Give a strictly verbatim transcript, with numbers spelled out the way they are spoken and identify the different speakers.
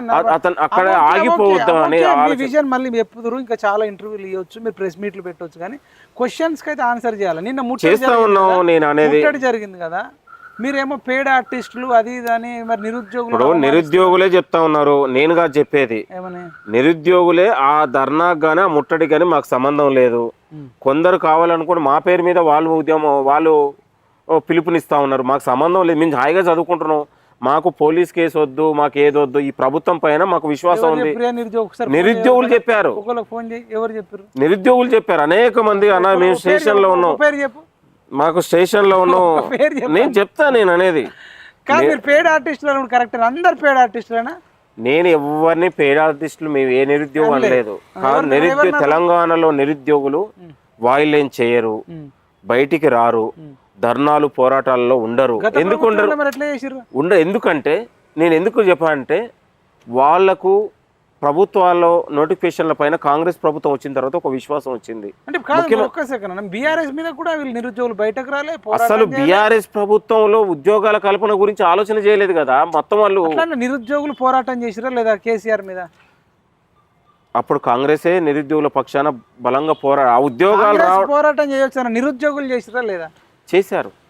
Speaker 1: అతను అక్కడ ఆగిపోవద్దామని
Speaker 2: విజన్ మళ్ళీ చెప్పుదురు, ఇంకా చాలా ఇంటర్వ్యూలు ఇవ్వచ్చు, మీరు ప్రెస్ మీట్లు పెట్టవచ్చు, కానీ క్వశ్చన్స్ కి అయితే ఆన్సర్ చేయాలి. నిన్న
Speaker 1: చేస్తా ఉన్నాం నేను అనేది
Speaker 2: ముట్టడి జరిగింది కదా, మీరేమో పేడ్ ఆర్టిస్టులు అది ఇది అని, మరి నిరుద్యోగులు
Speaker 1: ఇప్పుడు నిరుద్యోగులే చెప్తా ఉన్నారు, నేనుగా చెప్పేది
Speaker 2: ఏమని
Speaker 1: నిరుద్యోగులే ఆ ధర్నాకు గానీ ఆ ముట్టడి కానీ మాకు సంబంధం లేదు. కొందరు కావాలనుకుని మా పేరు మీద వాళ్ళు ఉద్యమం వాళ్ళు పిలుపునిస్తా ఉన్నారు, మాకు సంబంధం లేదు, మేము హాయిగా చదువుకుంటున్నాం, మాకు పోలీస్ కేసు వద్దు, మాకు ఏదొద్దు, ఈ ప్రభుత్వం పైన మాకు విశ్వాసం ఉంది. నిరుద్యోగులు చెప్పారు, నిరుద్యోగులు చెప్పారు అనేక మంది. అన్న మేము స్టేషన్ లో ఉన్నాం, మాకు స్టేషన్ లో ఉన్నాం, నేను చెప్తా నేను అనేది
Speaker 2: పేడ్ ఆర్టిస్టులు కరెక్ట్, అందరు పేడ్ ఆర్టిస్టులేనా?
Speaker 1: నేను ఎవరిని పేడ్ ఆర్టిస్టులు మేము ఏ నిరుద్యోగం అనలేదు. కాదు, నిరుద్యోగ తెలంగాణలో నిరుద్యోగులు వాయిలేం చేయరు, బయటికి రారు, ధర్నాలు పోరాటాలలో ఉండరు. ఎందుకు ఉండరు ఉండ ఎందుకంటే నేను ఎందుకు చెప్పానంటే వాళ్లకు ప్రభుత్వాల్లో నోటిఫికేషన్ల పైన కాంగ్రెస్ ప్రభుత్వం వచ్చిన తర్వాత ఒక విశ్వాసం వచ్చింది. అసలు బీఆర్ఎస్ ప్రభుత్వంలో ఉద్యోగాల కల్పన గురించి ఆలోచన చేయలేదు కదా మొత్తం వాళ్ళు.
Speaker 2: నిరుద్యోగులు పోరాటం చేసిరా లేదా కేసీఆర్ మీద?
Speaker 1: అప్పుడు కాంగ్రెసే నిరుద్యోగుల పక్షాన బలంగా పోరా ఆ ఉద్యోగాలు
Speaker 2: పోరాటం చేయొచ్చు, నిరుద్యోగులు చేసిరా లేదా?
Speaker 1: చేశారు.